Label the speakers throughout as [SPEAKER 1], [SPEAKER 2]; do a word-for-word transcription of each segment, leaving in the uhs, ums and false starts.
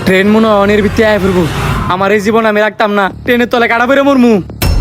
[SPEAKER 1] Train মনে হয় অনের ভিত্তি আয় ফিরবো। আমার এই জীবন আমি রাখতাম না, ট্রেনের তলে কাটা বেরো মরমু।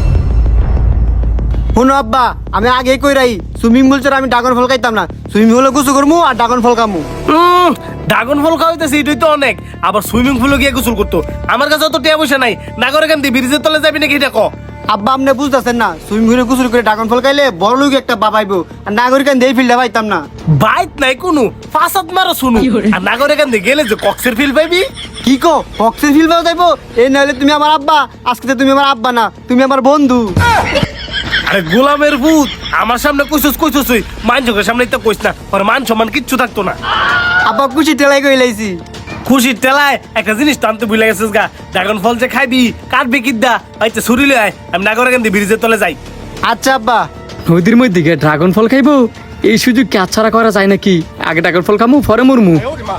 [SPEAKER 2] শোনো আব্বা, আমি আগে কই রাই সুইমিং পুল ছাড়া আমি ড্রাগন ফল খাইতাম না। সুইমিং পুলে গোসল করবো আর ড্রাগন ফল খামু।
[SPEAKER 3] উম, ড্রাগন ফল খাওয়াইতেছে এটাই তো অনেক, আবার সুইমিং পুলে গিয়ে গোসল করতো। আমার কাছে তো টিয়া পয়সা নাই, নাগরে কেন দিয়ে ব্রিজের তলে যাবি নাকি এটা ক?
[SPEAKER 2] আব্বা আপনি বুঝতেছেন না, সুইমিং পুলে গোসল করে ড্রাগন ফল খাইলে বড় লোক একটা বাবাইবো, আর নাগরিকান দিয়ে ফিল্ডে পাইতাম না।
[SPEAKER 3] বাইক নাই কোনো, ফাঁসাত মারো শুনু। আর নাগরে কেন দিয়ে গেলে যে কক্সের ফিল পাইবি।
[SPEAKER 2] কি কো বক্সের ফিল্ড পাওয়া যাইবো? এই নাহলে তুমি আমার আব্বা, আজকে তো তুমি আমার আব্বা না, তুমি আমার বন্ধু।
[SPEAKER 3] আরে গোলামের ভূত, আমার সামনে কইছস কইছস ওই মান চোখের সামনে তো কইস না, আর মান সম্মান কিচ্ছু থাকতো না।
[SPEAKER 2] আব্বা খুশি টেলাই কই লাইছি।
[SPEAKER 3] খুশির টেলায় একটা জিনিস টানতে ভুলে গেছিস গা, ড্রাগন ফল যে খাইবি কাটবি কিদ্দা আইতে ছুরিলে আয়, আমি নাগরে কেন দিয়ে ব্রিজের তলে যাই।
[SPEAKER 2] আচ্ছা আব্বা।
[SPEAKER 1] নদীর মধ্যে গিয়ে ড্রাগন ফল খাইবো, এই সুযোগ কি আচ্ছাড়া করা যায় নাকি? আগে ড্রাগন ফল খামু পরে মরমু।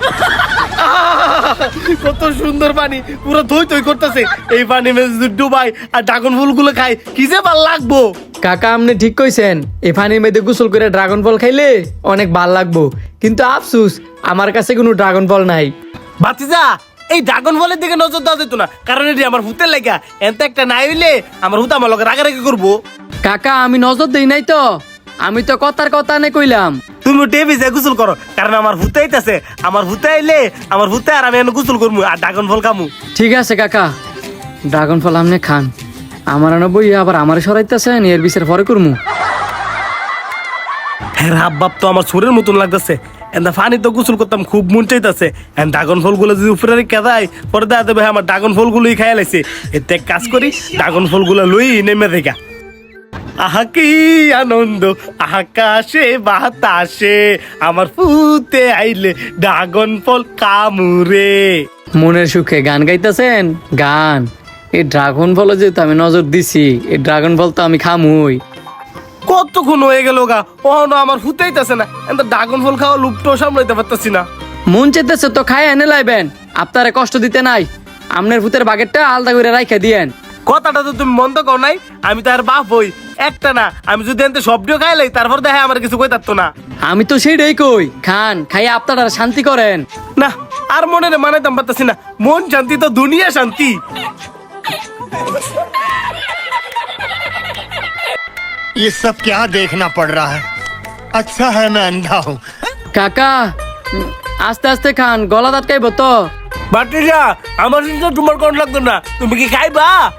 [SPEAKER 3] কত সুন্দর পানি, পুরো থই থই করতেছে। এই পানি মে যদি ডুবাই আর ড্রাগন ফুলগুলো খাই কি যে ভাল লাগবো।
[SPEAKER 1] কাকা আপনি ঠিক কইছেন, এই পানির মধ্যে গোসল করে ড্রাগন ফল খাইলে অনেক ভাল লাগবো, কিন্তু আফসুস আমার কাছে কোনো ড্রাগন ফল নাই।
[SPEAKER 3] বাতিজা, এই ড্রাগন ফলের দিকে নজর দেওয়া যেত না, কারণ এটি আমার হুতের লেগা। এত একটা নাই হইলে আমার হুত আমার লগে রাগারাগি করবো।
[SPEAKER 1] কাকা আমি নজর দেই নাই তো, আমি তো কথার কথা নে কইলাম।
[SPEAKER 3] তুমি টেবি যে গোসল করো, কারণ আমার হুতে আইতাছে। আমার হুতে আইলে আমার হুতে আর আমি এনে গোসল করবো আর ড্রাগন ফল খামু।
[SPEAKER 1] ঠিক আছে কাকা, ড্রাগন ফল আপনি খান, আমার আনো বই আবার আমার সরাইতেছেন, এর বিচার পরে করমু।
[SPEAKER 3] হ্যাঁ হাব তো আমার সুরের মতন লাগতেছে। এন্দা ফানি তো গোসল করতাম, খুব মন চাইতেছে। এন্ড ড্রাগন ফলগুলো যদি উপরে রেখে দেয়, পরে দেখা দেবে আমার ড্রাগন ফলগুলোই খাইয়া লাইছে। এতে এক কাজ করি, ড্রাগন ফলগুলো লই নেমে রেখা। আহা কি আনন্দ আকাশে বাতাসে, আমার ফুতে আইলে ড্রাগন ফল কামুরে।
[SPEAKER 1] মনের সুখে গান গাইতেছেন গান। এই ড্রাগন ফল যেহেতু আমি নজর দিছি, এই ড্রাগন ফল তো আমি খামুই।
[SPEAKER 3] কতক্ষণ হয়ে গেল গা, ও না আমার ফুতেইতেছে না। এত ড্রাগন ফল খাওয়া লুপটো সামলাইতে পারতেছি না।
[SPEAKER 1] মন চেতেছে তো খাই এনে লাইবেন, আপনারে কষ্ট দিতে নাই। আমনের ভূতের বাগেরটা আলাদা করে রাইখা দিয়েন।
[SPEAKER 3] কথাটা তো তুমি মন্দ কর নাই, আমি তো আর বাপ হই একটা না। আমি যদি এনতে সবটিও খাইলাই, তারপর দেখে আমার কিছু কই থাকতো না।
[SPEAKER 1] আমি তো সেইটাই কই, খান খাইয়া আপনারা শান্তি করেন।
[SPEAKER 3] না আর মনে মানাইতাম পারতাছি না। মন শান্তি তো দুনিয়া শান্তি।
[SPEAKER 4] ये सब क्या देखना पड़ रहा है? अच्छा है मैं अंधा हूँ।
[SPEAKER 1] কাকা উম, আস্তে আস্তে খান, গলা দাঁতকাইব তো।
[SPEAKER 3] বাটিজা, আমার সাথে তোমার কোন লাগতো না, তুমি কি খাইবা?